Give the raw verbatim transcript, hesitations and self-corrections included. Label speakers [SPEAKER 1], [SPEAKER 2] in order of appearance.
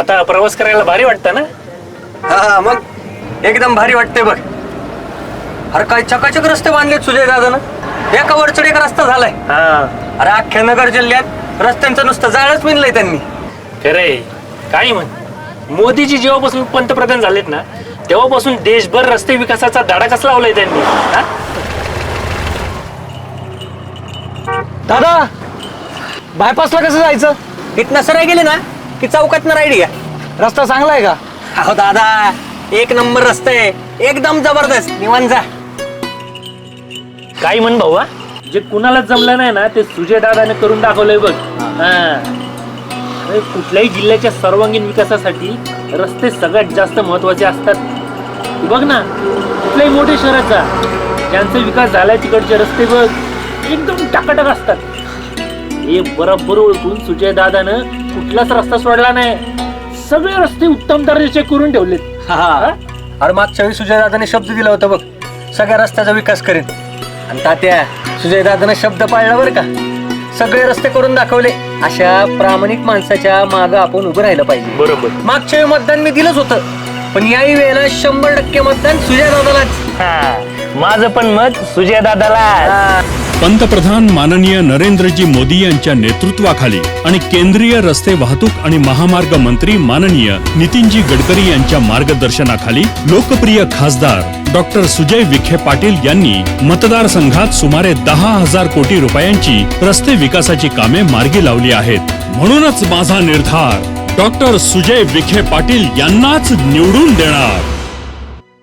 [SPEAKER 1] आता प्रवास करायला भारी वाटतं ना?
[SPEAKER 2] हा मग एकदम भारी वाटते बघ. अरे काय चकाचक रस्ते बांधलेत सुजय दादानं. एका वरचढ एक रस्ता झालाय.
[SPEAKER 1] हा
[SPEAKER 2] अरे अख्ख्या नगर जिल्ह्यात रस्त्यांचं नुसतं जाळच विणलंय त्यांनी.
[SPEAKER 1] खरंय. काय म्हण, मोदीजी जेव्हापासून पंतप्रधान झालेत ना तेव्हापासून देशभर रस्ते विकासाचा धडा कसला लावलाय त्यांनी. हा?
[SPEAKER 3] दादा बायपासला कसं जायचं?
[SPEAKER 2] इथनं सराय गेले ना की चौकातनं राईड घ्या.
[SPEAKER 3] रस्ता चांगला आहे का?
[SPEAKER 2] अहो दादा एक नंबर रस्ता आहे, एकदम जबरदस्त. निवांत जा.
[SPEAKER 1] काय म्हण भाऊ, जे कुणाला जमलं नाही ना ते सुजय दादाने करून दाखवलंय बघ. हा. अरे कुठल्याही जिल्ह्याच्या सर्वांगीण विकासासाठी रस्ते सगळ्यात जास्त महत्वाचे असतात. तू बघ ना, कुठल्याही मोठ्या शहराचा ज्यांचा विकास झालाय तिकडचे रस्ते बघ एकदम टाकाटक असतात. हे बरोबर ओळखून सुजय दादानं कुठलाच रस्ता सोडला नाही. सगळे रस्ते उत्तम दर्जाचे करून ठेवलेत.
[SPEAKER 2] हा. अरे मागच्या वेळी सुजय दादाने शब्द दिला होता बघ, सगळ्या रस्त्याचा विकास करेन. आणि तात्या सुजय दादाने शब्द पाळला बरं का. सगळे रस्ते करून दाखवले. अशा प्रामाणिक माणसाच्या मागं आपण उभं राहिलं पाहिजे.
[SPEAKER 1] बरोबर.
[SPEAKER 2] मागच्या वेळी मतदान मी दिलंच होतं, पण याही वेळेला शंभर टक्के मतदान सुजय दादालाच.
[SPEAKER 1] माझं पण मत सुजय दादाला.
[SPEAKER 4] पंतप्रधान माननीय नरेंद्रजी मोदी यांच्या नेतृत्वाखाली आणि केंद्रीय रस्ते वाहतूक आणि महामार्ग मंत्री माननीय नितीनजी गडकरी यांच्या मार्गदर्शनाखाली लोकप्रिय खासदार डॉक्टर सुजय विखे पाटील यांनी मतदारसंघात सुमारे दहा हजार कोटी रुपयांची रस्ते विकासाची कामे मार्गी लावली आहेत. म्हणूनच माझा निर्धार डॉक्टर सुजय विखे पाटील यांनाच निवडून देणार.